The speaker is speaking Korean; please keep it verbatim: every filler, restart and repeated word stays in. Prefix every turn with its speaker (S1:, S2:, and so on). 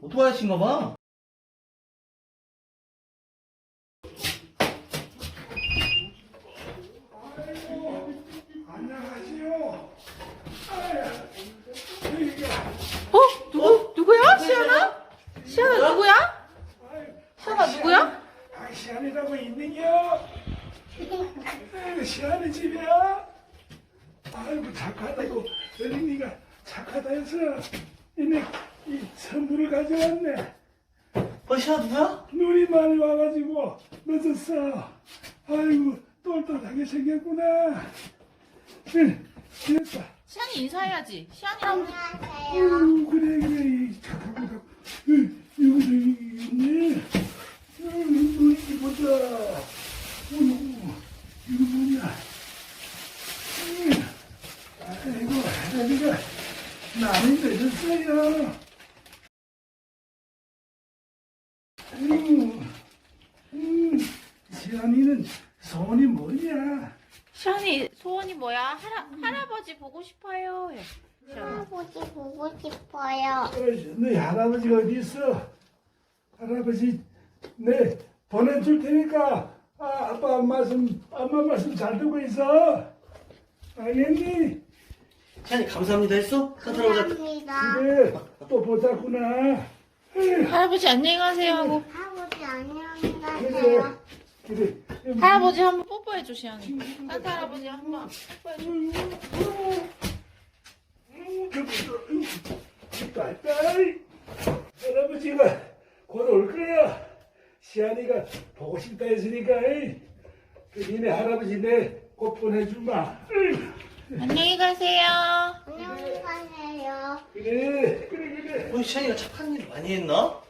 S1: 오토바이 하신가 봐.
S2: 안녕하세요.
S3: 어? 누구? 누구야? 시연아? 시연아 누구야? 시연아 누구야?
S2: 아, 시안이라고 있는겨? 시안이 집이야? 아이고 착하다고 어린이가 착하다 해서 이네 이 선물을 가져왔네.
S1: 어, 시아 누구야?
S2: 눈이 많이 와가지고 늦었어. 아이고 똘똘하게 생겼구나. 응, 됐다.
S3: 시연이 인사해야지. 시연이랑
S2: 아이고 그래 그래 이 착하고 응, 이거도 있네. 응, 눈이 보자. 어이구 이거 뭐냐. 응, 아이고 할아버지가 많이 늦었어요. 아이고 음, 시안이는 소원이 뭐냐?
S3: 시연이 소원이 뭐야? 할아, 할아버지 보고 싶어요. 해. 시연아.
S4: 할아버지 보고 싶어요.
S2: 어이, 너희 할아버지가 어디 있어? 할아버지 네 보내줄 테니까 아, 아빠 말씀 엄마 말씀 잘 듣고 있어. 알겠니?
S1: 시안이 감사합니다 했어? 산타로 오자.
S4: 감사합니다.
S2: 그래 또 보자꾸나. 에휴,
S3: 할아버지 안녕히 가세요 하고
S4: 할아버지 안녕히
S2: 그래
S4: 가세요.
S2: 그래.
S3: 할아버지 한번 뽀뽀해줘 시연이. 산타 할아버지 한번 뽀뽀해줘.
S2: 딸딸 할아버지가 곧 올 거야. 시안이가 보고 싶다 했으니까 에이. 그 니네 할아버지 내 곧 보내주마. 에이.
S3: 안녕히 가세요.
S4: 안녕히 가세요.
S2: 그래 그래 그래.
S1: 어, 시안이가 착한 일 많이 했나?